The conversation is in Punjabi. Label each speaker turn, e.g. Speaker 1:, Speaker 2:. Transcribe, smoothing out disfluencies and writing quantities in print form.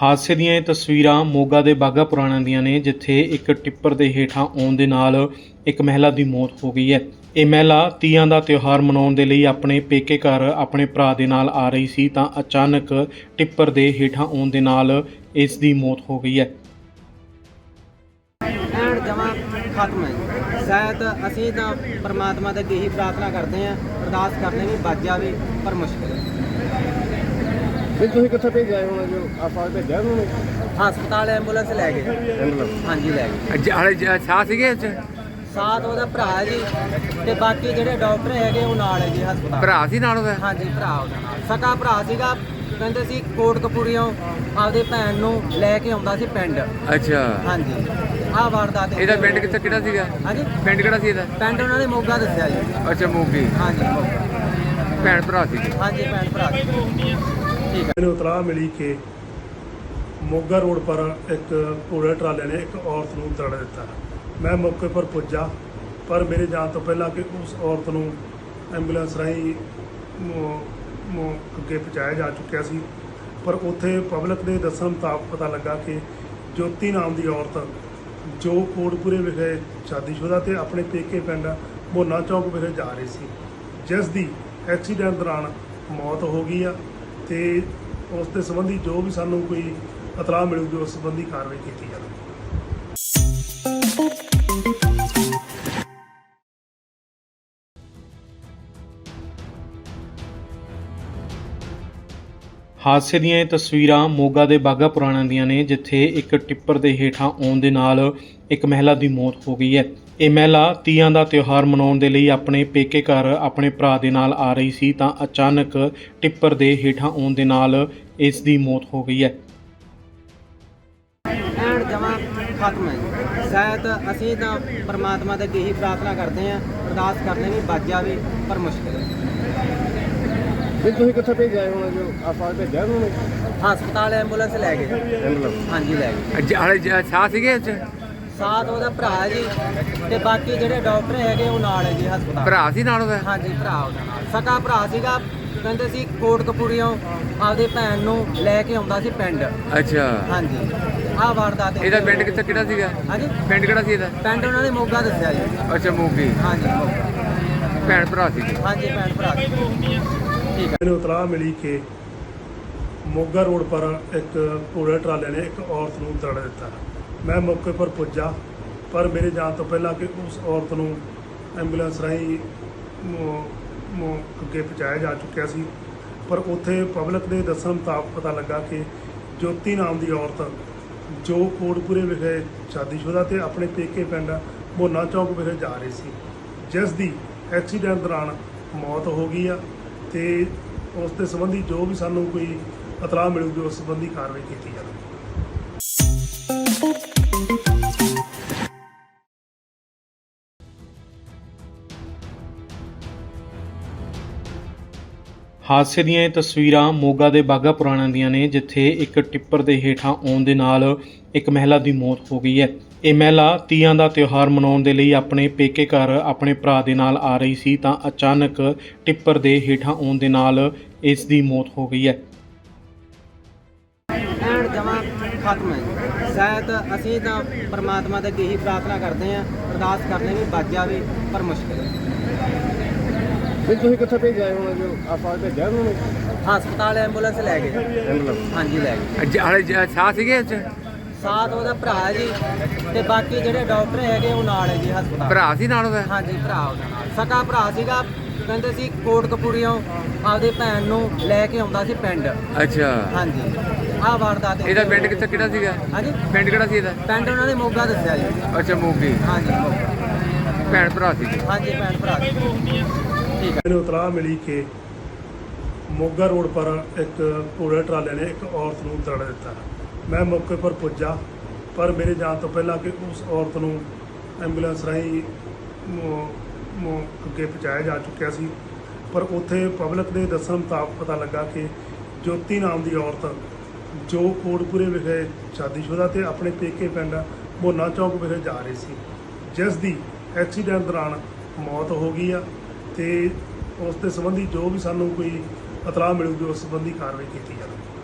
Speaker 1: ਹਾਦਸੇ ਦੀਆਂ ਇਹ ਤਸਵੀਰਾਂ ਮੋਗਾ ਦੇ ਬਾਘਾ ਪੁਰਾਣਾ ਦੀਆਂ ਨੇ, ਜਿੱਥੇ ਇੱਕ ਟਿੱਪਰ ਦੇ ਹੇਠਾਂ ਆਉਣ ਦੇ ਨਾਲ ਇੱਕ ਮਹਿਲਾ ਦੀ ਮੌਤ ਹੋ ਗਈ ਹੈ। ਇਹ ਮਹਿਲਾ ਤੀਆਂ ਦਾ ਤਿਉਹਾਰ ਮਨਾਉਣ ਦੇ ਲਈ ਆਪਣੇ ਪੇਕੇ ਘਰ ਆਪਣੇ ਭਰਾ ਦੇ ਨਾਲ ਆ ਰਹੀ ਸੀ ਤਾਂ ਅਚਾਨਕ ਟਿੱਪਰ ਦੇ ਹੇਠਾਂ ਆਉਣ ਦੇ ਨਾਲ ਇਸ ਦੀ ਮੌਤ ਹੋ ਗਈ ਹੈ।
Speaker 2: ਐਂਡ ਜਮਾ ਖਤਮ ਹੈ। ਸ਼ਾਇਦ ਅਸੀਂ ਤਾਂ ਪਰਮਾਤਮਾ ਦੇ ਅੱਗੇ ਹੀ ਪ੍ਰਾਰਥਨਾ ਕਰਦੇ ਹਾਂ, ਅਰਦਾਸ ਕਰਦੇ ਵੀ ਬਚ ਜਾਵੇ, ਪਰ ਮੁਸ਼ਕਿਲ ਹੈ।
Speaker 3: ਫਿਰ ਤੁਸੀਂ ਕਿੱਥੇ ਭੇਜਿਆ ਹੁਣ ਜੋ ਆਪਾਂ ਭੇਜਿਆ ਉਹਨੂੰ
Speaker 2: ਹਸਪਤਾਲ ਐਂਬੂਲੈਂਸ ਲੈ ਗਏ। ਹਾਂਜੀ ਲੈ ਗਏ।
Speaker 3: ਹਾਲੇ ਸਾਹ ਸੀਗੇ ਇਹ 'ਚ?
Speaker 2: ਸਾਥ ਉਹਦਾ ਭਰਾ ਹੈ ਜੀ, ਤੇ ਬਾਕੀ ਜਿਹੜੇ ਡਾਕਟਰ ਹੈਗੇ ਉਹ ਨਾਲ ਹੈ ਜੀ ਹਸਪਤਾਲ।
Speaker 3: ਭਰਾ ਸੀ ਨਾਲ ਉਹਦਾ?
Speaker 2: ਹਾਂਜੀ ਭਰਾ ਉਹਦਾ ਨਾਲ, ਸਕਾ ਭਰਾ ਸੀਗਾ। ਕਹਿੰਦੇ ਸੀ ਕੋਟਕਪੂਰੀਓਂ ਆਪਦੇ ਭੈਣ ਨੂੰ ਲੈ ਕੇ ਆਉਂਦਾ ਸੀ ਪਿੰਡ।
Speaker 3: ਅੱਛਾ
Speaker 2: ਹਾਂਜੀ ਆਹ ਵਾਰਦਾਤ
Speaker 3: ਇਹਦਾ ਪਿੰਡ ਕਿੱਥੇ ਕਿਹੜਾ ਸੀਗਾ?
Speaker 2: ਹਾਂਜੀ
Speaker 3: ਪਿੰਡ ਕਿਹੜਾ ਸੀ ਇਹਦਾ?
Speaker 2: ਪਿੰਡ ਉਹਨਾਂ ਨੇ ਮੋਗਾ ਦੱਸਿਆ ਜੀ।
Speaker 3: ਅੱਛਾ ਮੋਗੀ।
Speaker 2: ਹਾਂਜੀ ਮੋਗਾ।
Speaker 3: ਭੈਣ ਭਰਾ ਸੀ?
Speaker 2: ਹਾਂਜੀ ਭੈਣ ਭਰਾ ਸੀ। ਠੀਕ ਹੈ।
Speaker 4: ਮੈਨੂੰ ਇਤਲਾਹ ਮਿਲੀ ਕਿ ਮੋਗਾ ਰੋਡ ਪਰ ਇੱਕ ਘੋੜੇ ਟਰਾਲੇ ਨੇ ਇੱਕ ਔਰਤ ਨੂੰ ਦੜ ਦਿੱਤਾ। ਮੈਂ ਮੌਕੇ ਪਰ ਪੁੱਜਾ, ਪਰ ਮੇਰੇ ਜਾਣ ਤੋਂ ਪਹਿਲਾਂ ਕਿ ਉਸ ਔਰਤ ਨੂੰ ਐਂਬੂਲੈਂਸ ਰਾਹੀਂ ਅੱਗੇ ਪਹੁੰਚਾਇਆ ਜਾ ਚੁੱਕਿਆ ਸੀ। ਪਰ ਉੱਥੇ ਪਬਲਿਕ ਦੇ ਦੱਸਣ ਮੁਤਾਬਕ ਪਤਾ ਲੱਗਾ ਕਿ ਜੋਤੀ ਨਾਮ ਦੀ ਔਰਤ ਜੋ ਕੋਟਪੂਰੇ ਵਿਖੇ ਸ਼ਾਦੀशुदा ਤੇ ਆਪਣੇ ਪੇਕੇ ਪਿੰਡ ਮੋਨਾ ਚੌਕ ਵਿਖੇ ਜਾ ਰਹੀ ਸੀ, ਜਿਸ ਦੀ ਐਕਸੀਡੈਂਟ ਦੌਰਾਨ ਮੌਤ ਹੋ ਗਈ ਆ। ਤੇ ਉਸ ਦੇ ਸੰਬੰਧੀ ਜੋ ਵੀ ਸਾਨੂੰ ਕੋਈ ਇਤਲਾਹ ਮਿਲੂਗੀ ਉਸ ਸੰਬੰਧੀ ਕਾਰਵਾਈ ਕੀਤੀ ਜਾਵੇਗੀ।
Speaker 1: ਹਾਦਸੇ ਦੀਆਂ ਇਹ ਤਸਵੀਰਾਂ ਮੋਗਾ ਦੇ ਬਾਘਾ ਪੁਰਾਣਾ ਦੀਆਂ ਨੇ, ਜਿੱਥੇ ਇੱਕ ਟਿੱਪਰ ਦੇ ਹੇਠਾਂ ਆਉਣ ਦੇ ਨਾਲ ਇੱਕ ਮਹਿਲਾ ਦੀ ਮੌਤ ਹੋ ਗਈ ਹੈ। ਇਹ ਮਹਿਲਾ ਤੀਆਂ ਦਾ ਤਿਉਹਾਰ ਮਨਾਉਣ ਦੇ ਲਈ ਆਪਣੇ ਪੇਕੇ ਘਰ ਆਪਣੇ ਭਰਾ ਦੇ ਨਾਲ ਆ ਰਹੀ ਸੀ ਤਾਂ ਅਚਾਨਕ ਟਿੱਪਰ ਦੇ ਹੇਠਾਂ ਆਉਣ ਦੇ ਨਾਲ ਇਸ ਦੀ ਮੌਤ ਹੋ ਗਈ ਹੈ।
Speaker 2: ਐਂਡ ਜਮਾ ਖਤਮ ਹੈ। ਸ਼ਾਇਦ ਅਸੀਂ ਤਾਂ ਪਰਮਾਤਮਾ ਦੇ ਅੱਗੇ ਹੀ ਪ੍ਰਾਰਥਨਾ ਕਰਦੇ ਹਾਂ, ਅਰਦਾਸ ਕਰਦੇ ਵੀ ਬਚ ਜਾਵੇ, ਪਰ ਮੁਸ਼ਕਿਲ ਹੈ।
Speaker 3: ਫਿਰ ਤੁਸੀਂ ਕਿੱਥੇ ਭੇਜਿਆ ਹੁਣ ਜੋ ਆਪਾਂ ਭੇਜਿਆ ਉਹਨੂੰ
Speaker 2: ਹਸਪਤਾਲ ਐਂਬੂਲੈਂਸ ਲੈ ਗਏ। ਹਾਂਜੀ ਲੈ ਗਏ।
Speaker 3: ਹਾਲੇ ਸਾਹ ਸੀਗੇ ਇਹ 'ਚ?
Speaker 2: ਸਾਥ ਉਹਦਾ ਭਰਾ ਹੈ ਜੀ, ਤੇ ਬਾਕੀ ਜਿਹੜੇ ਡਾਕਟਰ ਹੈਗੇ ਉਹ ਨਾਲ ਹੈ ਜੀ ਹਸਪਤਾਲ।
Speaker 3: ਭਰਾ ਸੀ ਨਾਲ ਉਹਦਾ?
Speaker 2: ਹਾਂਜੀ ਭਰਾ ਉਹਦਾ ਨਾਲ, ਸਕਾ ਭਰਾ ਸੀਗਾ। ਕਹਿੰਦੇ ਸੀ ਕੋਟਕਪੂਰੀਓਂ ਆਪਦੇ ਭੈਣ ਨੂੰ ਲੈ ਕੇ ਆਉਂਦਾ ਸੀ ਪਿੰਡ।
Speaker 3: ਅੱਛਾ
Speaker 2: ਹਾਂਜੀ ਆਹ ਵਾਰਦਾਤ
Speaker 3: ਇਹਦਾ ਪਿੰਡ ਕਿੱਥੇ ਕਿਹੜਾ ਸੀਗਾ?
Speaker 2: ਹਾਂਜੀ
Speaker 3: ਪਿੰਡ ਕਿਹੜਾ ਸੀ ਇਹਦਾ?
Speaker 2: ਪਿੰਡ ਉਹਨਾਂ ਨੇ ਮੋਗਾ ਦੱਸਿਆ ਜੀ।
Speaker 3: ਅੱਛਾ ਮੋਗੀ।
Speaker 2: ਹਾਂਜੀ ਮੋਗਾ।
Speaker 3: ਭੈਣ ਭਰਾ ਸੀ?
Speaker 2: ਹਾਂਜੀ ਭੈਣ ਭਰਾ ਸੀ। ਠੀਕ ਹੈ।
Speaker 4: ਮੈਨੂੰ ਇਤਲਾਹ ਮਿਲੀ ਕਿ ਮੋਗਾ ਰੋਡ ਪਰ ਇੱਕ ਘੋੜੇ ਟਰਾਲੇ ਨੇ ਇੱਕ ਔਰਤ ਨੂੰ ਦੜ ਦਿੱਤਾ। ਮੈਂ ਮੌਕੇ ਪਰ ਪੁੱਜਾ, ਪਰ ਮੇਰੇ ਜਾਣ ਤੋਂ ਪਹਿਲਾਂ ਕਿ ਉਸ ਔਰਤ ਨੂੰ ਐਂਬੂਲੈਂਸ ਰਾਹੀਂ ਅੱਗੇ ਪਹੁੰਚਾਇਆ ਜਾ ਚੁੱਕਿਆ ਸੀ। ਪਰ ਉੱਥੇ ਪਬਲਿਕ ਦੇ ਦੱਸਣ ਮੁਤਾਬਕ ਪਤਾ ਲੱਗਾ ਕਿ ਜੋਤੀ ਨਾਮ ਦੀ ਔਰਤ ਜੋ ਕੋਟਪੂਰੇ ਵਿਖੇ ਸ਼ਾਦੀशुदा ਤੇ ਆਪਣੇ ਪੇਕੇ ਪਿੰਡ ਮੋਨਾ ਚੌਕ ਵਿਖੇ ਜਾ ਰਹੀ ਸੀ, ਜਿਸ ਦੀ ਐਕਸੀਡੈਂਟ ਦੌਰਾਨ ਮੌਤ ਹੋ ਗਈ ਆ। ਤੇ ਉਸ ਦੇ ਸੰਬੰਧੀ ਜੋ ਵੀ ਸਾਨੂੰ ਕੋਈ ਇਤਲਾਹ ਮਿਲੂਗੀ ਉਸ ਸੰਬੰਧੀ ਕਾਰਵਾਈ ਕੀਤੀ ਜਾਵੇਗੀ।
Speaker 1: ਹਾਦਸੇ ਦੀਆਂ ਇਹ ਤਸਵੀਰਾਂ ਮੋਗਾ ਦੇ ਬਾਘਾ ਪੁਰਾਣਾ ਦੀਆਂ ਨੇ, ਜਿੱਥੇ ਇੱਕ ਟਿੱਪਰ ਦੇ ਹੇਠਾਂ ਆਉਣ ਦੇ ਨਾਲ ਇੱਕ ਮਹਿਲਾ ਦੀ ਮੌਤ ਹੋ ਗਈ ਹੈ। ਇਹ ਮਹਿਲਾ ਤੀਆਂ ਦਾ ਤਿਉਹਾਰ ਮਨਾਉਣ ਦੇ ਲਈ ਆਪਣੇ ਪੇਕੇ ਘਰ ਆਪਣੇ ਭਰਾ ਦੇ ਨਾਲ ਆ ਰਹੀ ਸੀ ਤਾਂ ਅਚਾਨਕ ਟਿੱਪਰ ਦੇ ਹੇਠਾਂ ਆਉਣ ਦੇ ਨਾਲ ਇਸ ਦੀ ਮੌਤ ਹੋ ਗਈ ਹੈ।
Speaker 2: ਐਂਡ ਜਮਾ ਖਤਮ ਹੈ। ਸ਼ਾਇਦ ਅਸੀਂ ਤਾਂ ਪਰਮਾਤਮਾ ਦੇ ਅੱਗੇ ਹੀ ਪ੍ਰਾਰਥਨਾ ਕਰਦੇ ਹਾਂ, ਅਰਦਾਸ ਕਰਦੇ ਵੀ ਬਚ ਜਾਵੇ, ਪਰ ਮੁਸ਼ਕਿਲ ਹੈ।
Speaker 3: ਫਿਰ ਤੁਸੀਂ ਕਿੱਥੇ ਭੇਜਿਆ ਹੁਣ ਜੋ ਆਪਾਂ ਭੇਜਿਆ ਉਹਨੂੰ
Speaker 2: ਹਸਪਤਾਲ ਐਂਬੂਲੈਂਸ ਲੈ ਗਏ। ਹਾਂਜੀ ਲੈ ਗਏ।
Speaker 3: ਹਾਲੇ ਸਾਹ ਸੀਗੇ ਇਹ 'ਚ?
Speaker 2: ਸਾਥ ਉਹਦਾ ਭਰਾ ਹੈ ਜੀ, ਤੇ ਬਾਕੀ ਜਿਹੜੇ ਡਾਕਟਰ ਹੈਗੇ ਉਹ ਨਾਲ ਹੈ ਜੀ ਹਸਪਤਾਲ।
Speaker 3: ਭਰਾ ਸੀ ਨਾਲ ਉਹਦਾ?
Speaker 2: ਹਾਂਜੀ ਭਰਾ ਉਹਦਾ ਨਾਲ, ਸਕਾ ਭਰਾ ਸੀਗਾ। ਕਹਿੰਦੇ ਸੀ ਕੋਟਕਪੂਰੀਓਂ ਆਪਦੇ ਭੈਣ ਨੂੰ ਲੈ ਕੇ ਆਉਂਦਾ ਸੀ ਪਿੰਡ।
Speaker 3: ਅੱਛਾ
Speaker 2: ਹਾਂਜੀ ਆਹ ਵਾਰਦਾਤ
Speaker 3: ਇਹਦਾ ਪਿੰਡ ਕਿੱਥੇ ਕਿਹੜਾ ਸੀਗਾ?
Speaker 2: ਹਾਂਜੀ
Speaker 3: ਪਿੰਡ ਕਿਹੜਾ ਸੀ ਇਹਦਾ?
Speaker 2: ਪਿੰਡ ਉਹਨਾਂ ਨੇ ਮੋਗਾ ਦੱਸਿਆ ਜੀ।
Speaker 3: ਅੱਛਾ ਮੋਗੀ।
Speaker 2: ਹਾਂਜੀ ਮੋਗਾ।
Speaker 3: ਭੈਣ ਭਰਾ ਸੀ?
Speaker 2: ਹਾਂਜੀ ਭੈਣ ਭਰਾ ਸੀ। ਠੀਕ ਹੈ।
Speaker 4: ਮੈਨੂੰ ਇਤਲਾਹ ਮਿਲੀ ਕਿ ਮੋਗਾ ਰੋਡ ਪਰ ਇੱਕ ਘੋੜੇ ਟਰਾਲੇ ਨੇ ਇੱਕ ਔਰਤ ਨੂੰ ਦੜ ਦਿੱਤਾ। ਮੈਂ ਮੌਕੇ ਪਰ ਪੁੱਜਾ, ਪਰ ਮੇਰੇ ਜਾਣ ਤੋਂ ਪਹਿਲਾਂ ਕਿ ਉਸ ਔਰਤ ਨੂੰ ਐਂਬੂਲੈਂਸ ਰਾਹੀਂ ਅੱਗੇ ਪਹੁੰਚਾਇਆ ਜਾ ਚੁੱਕਿਆ ਸੀ। ਪਰ ਉੱਥੇ ਪਬਲਿਕ ਦੇ ਦੱਸਣ ਮੁਤਾਬਕ ਪਤਾ ਲੱਗਾ ਕਿ ਜੋਤੀ ਨਾਮ ਦੀ ਔਰਤ ਜੋ ਕੋਟਪੂਰੇ ਵਿਖੇ ਸ਼ਾਦੀशुदा ਤੇ ਆਪਣੇ ਪੇਕੇ ਪਿੰਡ ਮੋਨਾ ਚੌਕ ਵਿਖੇ ਜਾ ਰਹੀ ਸੀ, ਜਿਸ ਦੀ ਐਕਸੀਡੈਂਟ ਦੌਰਾਨ ਮੌਤ ਹੋ ਗਈ ਆ। ਤੇ ਉਸ ਦੇ ਸੰਬੰਧੀ ਜੋ ਵੀ ਸਾਨੂੰ ਕੋਈ ਇਤਲਾਹ ਮਿਲੂਗੀ ਉਸ ਸੰਬੰਧੀ ਕਾਰਵਾਈ ਕੀਤੀ ਜਾਵੇਗੀ।